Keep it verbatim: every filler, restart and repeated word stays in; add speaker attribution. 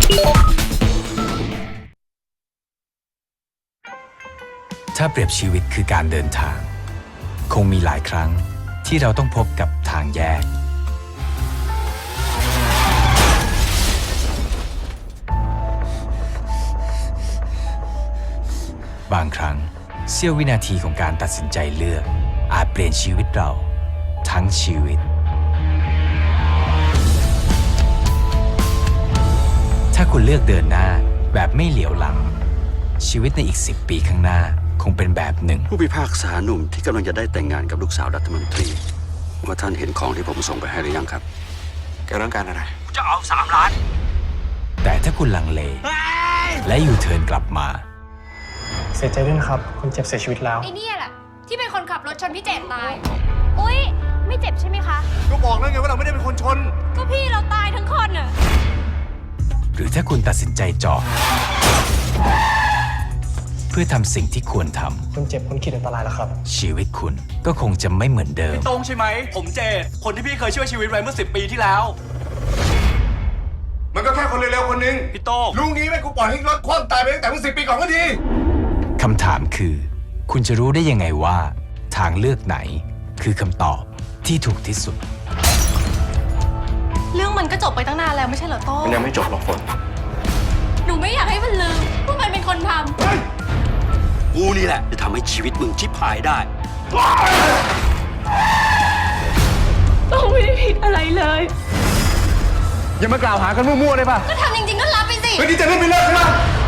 Speaker 1: ถ้าเปรียบชีวิตคือการเดินทางคงมีหลายครั้งที่เราต้องพบกับทางแยกบางครั้งเสี้ยววินาทีของการตัดสินใจเลือกอาจเปลี่ยนชีวิตเราทั้งชีวิตถ้าคุณเลือกเดินหน้าแบบไม่เหลียวหลังชีวิตในอีกสิบปีข้างหน้าคงเป็นแบบหนึ่ง
Speaker 2: ผู้พิพากษาหนุ่มที่กำลังจะได้แต่งงานกับลูกสาวรัฐมนตรีว่าท่านเห็นของที่ผมส่งไปให้หรือยังครับแกต้องการอะไรจะเอาสามล้าน
Speaker 1: แต่ถ้าคุณลังเลและอยู่เทิร์นกลับมา
Speaker 3: เสียใจด้วยนะครับคนเจ็บเสียชีวิตแล้ว
Speaker 4: ไอ้นี่แหละที่เป็นคนขับรถชนพี่เจตตายอุ๊ยไม่เจ็บใช่ไหมคะ
Speaker 5: ก็บอกแล้วไงว่าเราไม่ได้เป็นคนชน
Speaker 4: ก็พี่เราตายทั้งคนน่ะ
Speaker 1: หรือถ้าคุณตัดสินใจจอดเพื่อทำสิ่งที่ควรท
Speaker 3: ำคนเจ็บคนขีดอันตรายแล้วครับ
Speaker 1: ชีวิตคุณก็คงจะไม่เหมือนเดิม
Speaker 5: พี่ตรงใช่ไหมผมเจตคนที่พี่เคยช่วยชีวิตไว้เมื่อสิบปีที่แล้วมันก็แค่คนเร็วๆคนนึงพี่โต้ลุงงี้แม่กูปล่อยให้รถคว่ำตายไปตั้งแต่เมื่อสิบปีก่อนก็ดี
Speaker 1: คำถามคือคุณจะรู้ได้ยังไงว่าทางเลือกไหนคือคำตอบที่ถูกที่สุด
Speaker 4: เรื่องมันก็จบไปตั้งนานแล้วไม่ใช่เหรอโต้
Speaker 5: มันยังไม่จบหรอกฝน
Speaker 4: หนูไม่อยากให้มันลืมว่ามันเป็นคนท
Speaker 2: ำกูนี่แหละจะทำให้ชีวิตมึงชิบหายได้
Speaker 4: โต้ไม่ได้ผิดอะไรเลย
Speaker 5: อย่ามากล่าวหากันมั่วๆเลยป่ะ
Speaker 4: ก็ทำจริงๆก็รับไปสิ
Speaker 5: เฮ้ยนี่จะเล่นไม่เลิกใช่ไหม